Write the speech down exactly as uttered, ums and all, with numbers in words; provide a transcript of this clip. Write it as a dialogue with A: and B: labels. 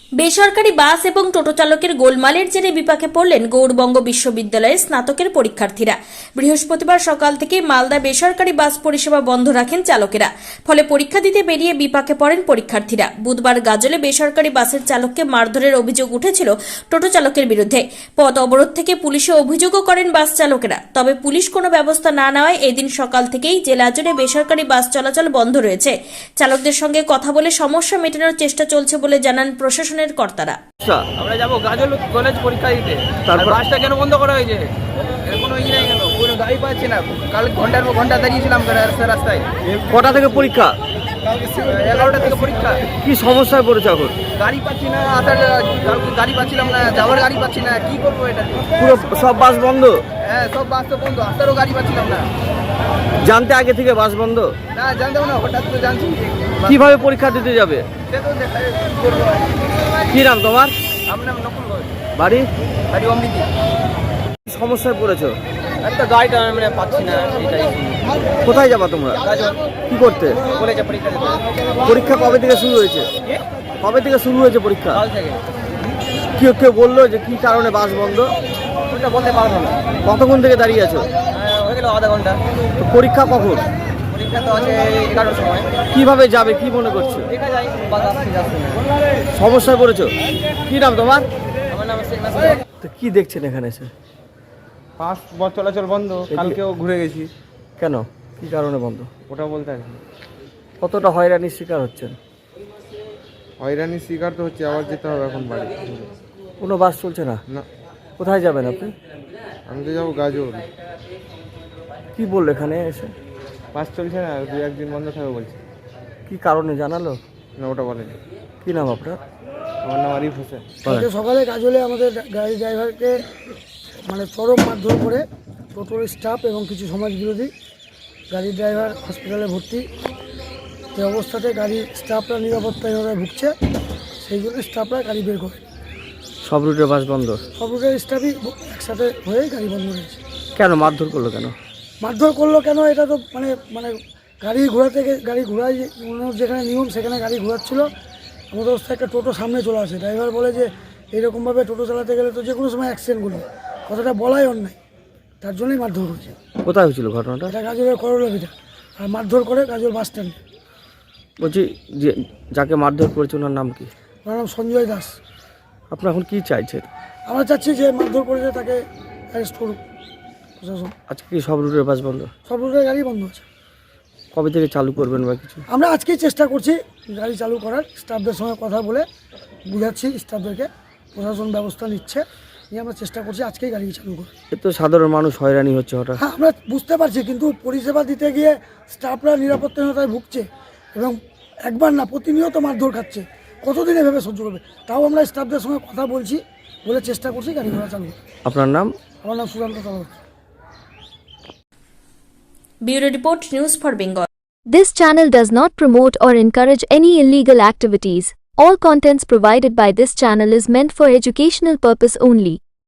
A: বেসরকারি বাস এবং টোটো চালকের গোলমালের জেরে বিপাকে পড়লেন গৌড়বঙ্গ বিশ্ববিদ্যালয়ের স্নাতকের পরীক্ষার্থীরা। বৃহস্পতিবার সকাল থেকে মালদা বেসরকারি বাস পরিষেবা বন্ধ রাখেন চালকেরা। ফলে পরীক্ষা দিতে বেরিয়ে বিপাকে পড়েন পরীক্ষার্থীরা। বুধবার গাজলে বেসরকারি বাসের চালককে মারধরের অভিযোগ উঠেছিল টোটো চালকের বিরুদ্ধে। পথ অবরোধ থেকে পুলিশে অভিযোগও করেন বাস চালকেরা। তবে পুলিশ কোনো ব্যবস্থা না নেওয়ায় এদিন সকাল থেকেই জেলা জুড়ে বেসরকারি বাস চলাচল বন্ধ রয়েছে। চালকদের সঙ্গে কথা বলে সমস্যা মেটানোর চেষ্টা চলছে বলে জানান প্রশাসন কর্তারা।
B: আমরা যাবো গাজল কলেজ পরীক্ষা দিতে, তারপর বাসটা কেন বন্ধ করা হয়েছে? এর কোনো ই নাই কেন? কোনো গাড়ি পাচ্ছি না। কাল ঘন্টার পর ঘন্টা দাঁড়িয়েছিলাম রাস্তায়।
C: কটা থেকে পরীক্ষা?
B: এগারোটা থেকে পরীক্ষা।
C: কি সমস্যায় পড়েছে এখন?
B: গাড়ি পাচ্ছি না, আসার গাড়ি পাচ্ছিলাম না, যাওয়ার গাড়ি পাচ্ছি না। কি করবো এটা?
C: পুরো সব বাস বন্ধ?
B: হ্যাঁ, সব বাস তো বন্ধ, আসারও গাড়ি পাচ্ছিলাম না।
C: জানতে আগে থেকে বাস বন্ধ?
B: না, জানতাম না, হঠাৎ করে জানছি।
C: কিভাবে পরীক্ষা দিতে যাবে? কি নাম তোমার?
B: আমার নাম নকুল ঘোষ।
C: বাড়ি?
B: বাড়ি অমৃতি।
C: সমস্যায় পড়েছো?
B: একটা গাড়িটা আমি পাচ্ছি না, এটাই।
C: কোথায় যাবা তোমরা? কি করতে?
B: কলেজে পরীক্ষা দিতে।
C: পরীক্ষা কবে থেকে শুরু হয়েছে? কবে থেকে শুরু হয়েছে পরীক্ষা?
B: কাল থেকে।
C: কেউ কেউ বললো যে কি কারণে বাস বন্ধ?
B: ওটা বলতে পারবো না।
C: কতক্ষণ থেকে দাঁড়িয়ে আছো?
B: হয়ে গেল আধা ঘন্টা।
C: তো পরীক্ষা কখন?
B: পরীক্ষা তো আছে এগারোটার সময়।
C: কিভাবে যাবে কি মনে করছো?
B: দেখা যায়, বাস আসছে যাচ্ছে না।
C: সমস্যায় পড়েছো? কি নাম তোমার?
B: আমার নাম শেখ নাসির।
C: তো কি দেখছেন এখানে এসে?
D: বাস চলাচল বন্ধ। কালকেও ঘুরে গেছি।
C: কেন? কি কারণে বন্ধ?
D: ওটা বলতে আর কি।
C: কতটা হয়রানির শিকার হচ্ছেন?
D: হয়রানির শিকার তো হচ্ছে, আবার যেতে হবে এখন বাড়ি।
C: কোনো বাস চলছে না?
D: না,
C: কোথায় যাবেন আপনি?
D: আমি তো যাবো গাজল।
C: কি বললো এখানে এসে?
D: বাস চলছে না, দু একদিন বন্ধ থাকবে বলছে।
C: কি কারণে জানালো?
D: না, ওটা বলেনি।
C: কি নাম আপনার?
D: আমার নাম আরিফ হোসেন।
E: কালকে সকালে গাজলে আমাদের গাড়ি ড্রাইভারকে মানে চরম মারধর করে টোটোর স্টাফ এবং কিছু সমাজ বিরোধী। গাড়ির ড্রাইভার হসপিটালে ভর্তি। এই অবস্থাতে গাড়ির স্টাফরা নিরাপত্তাহীনতায় ভুগছে, সেই জন্য স্টাফরা গাড়ি বের করে।
C: সব রুটের বাস বন্ধ? সব
E: রুটের স্টাফই একসাথে হয়ে গাড়ি বন্ধ রয়েছে।
C: কেন মারধর করলো কেন?
E: মারধর করলো কেন এটা তো মানে মানে গাড়ি ঘোরা থেকে গাড়ি ঘোরায় যেখানে নিয়ম সেখানে গাড়ি ঘোরাচ্ছিল। আমাদের অবস্থায় একটা টোটো সামনে চলে আসে। ড্রাইভার বলে যে এইরকমভাবে টোটো চালাতে গেলে তো যে কোনো সময় অ্যাক্সিডেন্ট করবে, কথাটা বলাই অন্যায়, তার জন্যই মারধর হয়েছে।
C: কোথায় হয়েছিল ঘটনাটা?
E: এটা গাজলের করলাভিটা। আর মারধর করে গাজল বাস স্ট্যান্ডে।
C: বলছি যে যাকে মারধর করেছে ওনার নাম কি?
E: ওনার নাম সঞ্জয় দাস।
C: আপনারা এখন কি চাইছেন?
E: আমরা চাচ্ছি যে মারধর করেছে তাকে অ্যারেস্ট করুক প্রশাসন।
C: আজকে কি সব রুটের বাস বন্ধ?
E: সব রুটের গাড়ি বন্ধ আছে।
C: কবে থেকে চালু করবেন বা কিছু?
E: আমরা আজকেই চেষ্টা করছি গাড়ি চালু করার। স্টাফদের সঙ্গে কথা বলে বুঝাচ্ছি স্টাফদেরকে, প্রশাসন ব্যবস্থা নিচ্ছে, নিয়ে আমরা চেষ্টা করছি আজকেই গাড়ি চালু করার।
C: এ তো সাধারণ মানুষ হয়রানি হচ্ছে হঠাৎ।
E: হ্যাঁ, আমরা বুঝতে পারছি, কিন্তু পরিষেবা দিতে গিয়ে স্টাফরা নিরাপত্তাহীনতায় ভুগছে এবং একবার না প্রতিনিয়ত মারধর খাচ্ছে। কতদিন এভাবে সহ্য করবে? তাও আমরা স্টাফদের সঙ্গে কথা বলছি, বলে চেষ্টা করছি গাড়ি ঘোড়া চালু করার।
C: আপনার নাম?
E: আমার নাম Suranta Chakraborty.
A: Bureau report, news for Bengal.
F: This channel does not promote or encourage any illegal activities. All contents provided by this channel is meant for educational purpose only.